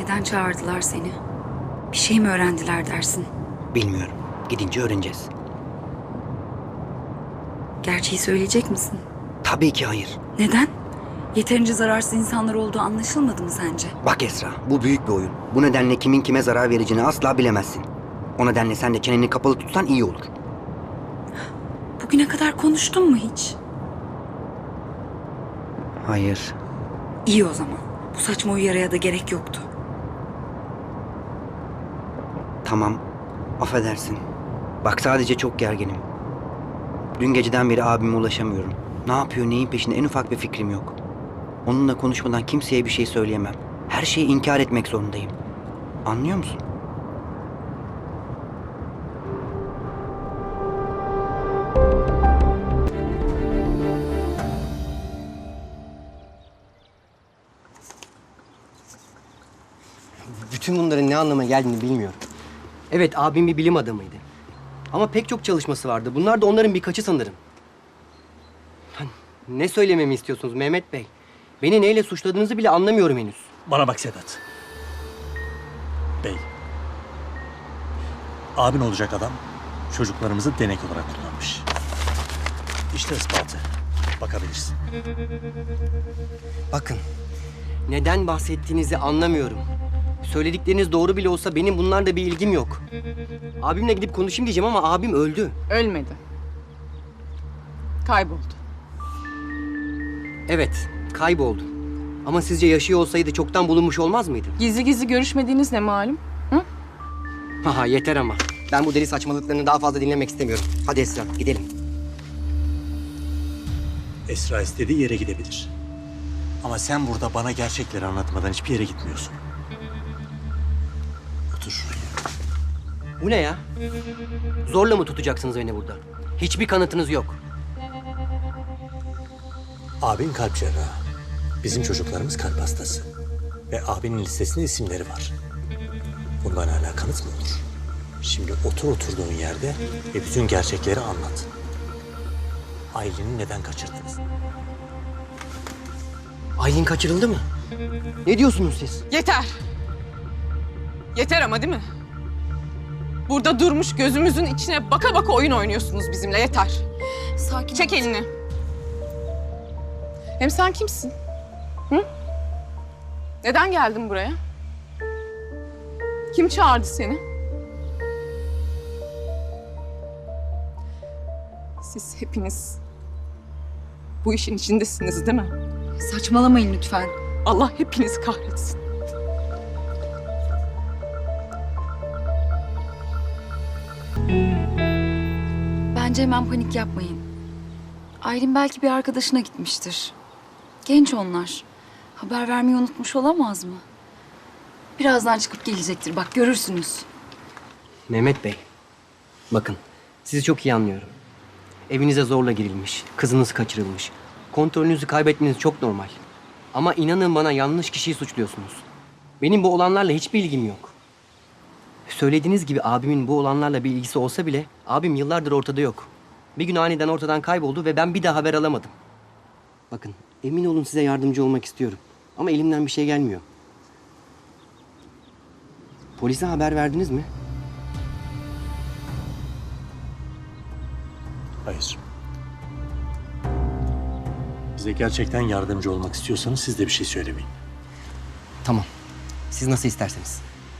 Neden çağırdılar seni? Bir şey mi öğrendiler dersin? Bilmiyorum. Gidince öğreneceğiz. Gerçeği söyleyecek misin? Tabii ki hayır. Neden? Yeterince zararsız insanlar olduğu anlaşılmadı mı sence? Bak Esra, bu büyük bir oyun. Bu nedenle kimin kime zarar vereceğini asla bilemezsin. O nedenle sen de çeneni kapalı tutsan iyi olur. Bugüne kadar konuştun mu hiç? Hayır. İyi o zaman. Bu saçma uyarıya da gerek yoktu. Tamam. Affedersin. Bak sadece çok gerginim. Dün geceden beri abime ulaşamıyorum. Ne yapıyor, neyin peşinde en ufak bir fikrim yok. Onunla konuşmadan kimseye bir şey söyleyemem. Her şeyi inkar etmek zorundayım. Anlıyor musun? Bütün bunların ne anlama geldiğini bilmiyorum. Evet, abim bir bilim adamıydı. Ama pek çok çalışması vardı. Bunlar da onların birkaçı sanırım. Ne söylememi istiyorsunuz Mehmet Bey? Beni neyle suçladığınızı bile anlamıyorum henüz. Bana bak Sedat. Bey. Abin olacak adam çocuklarımızı denek olarak kullanmış. İşte ispatı. Bakabilirsin. Bakın, neden bahsettiğinizi anlamıyorum. Söyledikleriniz doğru bile olsa benim bunlarla bir ilgim yok. Abimle gidip konuşayım diyeceğim ama abim öldü. Ölmedi. Kayboldu. Evet, kayboldu. Ama sizce yaşıyor olsaydı çoktan bulunmuş olmaz mıydı? Gizli gizli görüşmediğiniz ne malum? Hı? Haha yeter ama. Ben bu deli saçmalıklarını daha fazla dinlemek istemiyorum. Hadi Esra, gidelim. Esra istediği yere gidebilir. Ama sen burada bana gerçekleri anlatmadan hiçbir yere gitmiyorsun. Otur şuraya. Bu ne ya? Zorla mı tutacaksınız beni burada? Hiçbir kanıtınız yok. Abin kalp cerrahı. Bizim çocuklarımız kalp hastası. Ve abinin listesinde isimleri var. Bundan hala kanıt mı olur? Şimdi otur oturduğun yerde ve bütün gerçekleri anlat. Aylin'i neden kaçırdınız? Aylin kaçırıldı mı? Ne diyorsunuz siz? Yeter. Yeter ama değil mi? Burada durmuş gözümüzün içine baka baka oyun oynuyorsunuz bizimle. Yeter. Sakin Çek elini. Hem sen kimsin? Hı? Neden geldin buraya? Kim çağırdı seni? Siz hepiniz bu işin içindesiniz değil mi? Saçmalamayın lütfen. Allah hepinizi kahretsin. Bence hemen panik yapmayın. Aylin belki bir arkadaşına gitmiştir. Genç onlar. Haber vermeyi unutmuş olamaz mı? Birazdan çıkıp gelecektir. Bak görürsünüz. Mehmet Bey, bakın sizi çok iyi anlıyorum. Evinize zorla girilmiş, kızınız kaçırılmış. Kontrolünüzü kaybetmeniz çok normal. Ama inanın bana yanlış kişiyi suçluyorsunuz. Benim bu olanlarla hiçbir ilgim yok. Söylediğiniz gibi abimin bu olanlarla bir ilgisi olsa bile abim yıllardır ortada yok. Bir gün aniden ortadan kayboldu ve ben bir daha haber alamadım. Bakın emin olun size yardımcı olmak istiyorum. Ama elimden bir şey gelmiyor. Polise haber verdiniz mi? Hayır. Bize gerçekten yardımcı olmak istiyorsanız siz de bir şey söylemeyin. Tamam. Siz nasıl isterseniz.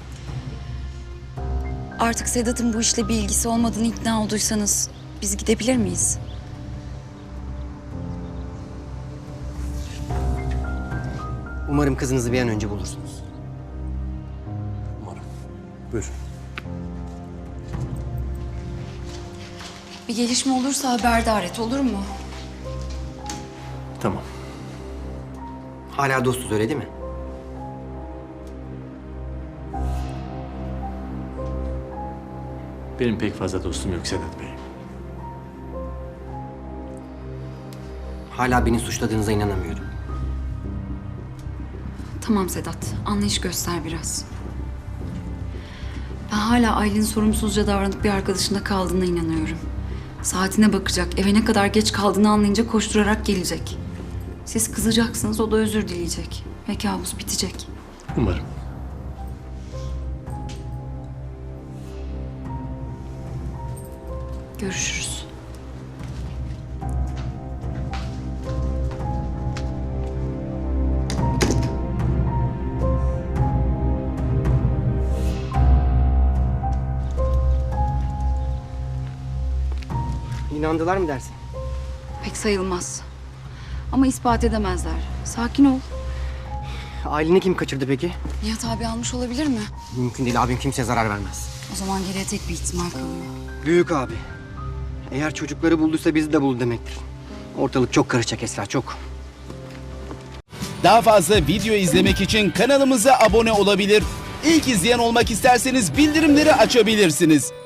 Artık Sedat'ın bu işle bir ilgisi olmadığını ikna olduysanız biz gidebilir miyiz? Umarım kızınızı bir an önce bulursunuz. Umarım. Buyurun. Bir gelişme olursa haberdar et, olur mu? Tamam. Hala dostuz öyle değil mi? Benim pek fazla dostum yok Sedat Bey. Hala beni suçladığınıza inanamıyorum. Tamam Sedat, anlayış göster biraz. Ben hala Aylin'in sorumsuzca davranıp bir arkadaşında kaldığına inanıyorum. Saatine bakacak, eve ne kadar geç kaldığını anlayınca koşturarak gelecek. Siz kızacaksınız, o da özür dileyecek. Ve kabus bitecek. Umarım. Görüşürüz. İnandılar mı dersin? Pek sayılmaz. Ama ispat edemezler. Sakin ol. Aileni kim kaçırdı peki? Nihat abi almış olabilir mi? Mümkün değil, abim kimseye zarar vermez. O zaman geriye tek bir ihtimal kalıyor. Büyük abi. Eğer çocukları bulduysa bizi de buldu demektir. Ortalık çok karışacak Esra, çok. Daha fazla video izlemek için kanalımıza abone olabilir. İlk izleyen olmak isterseniz bildirimleri açabilirsiniz.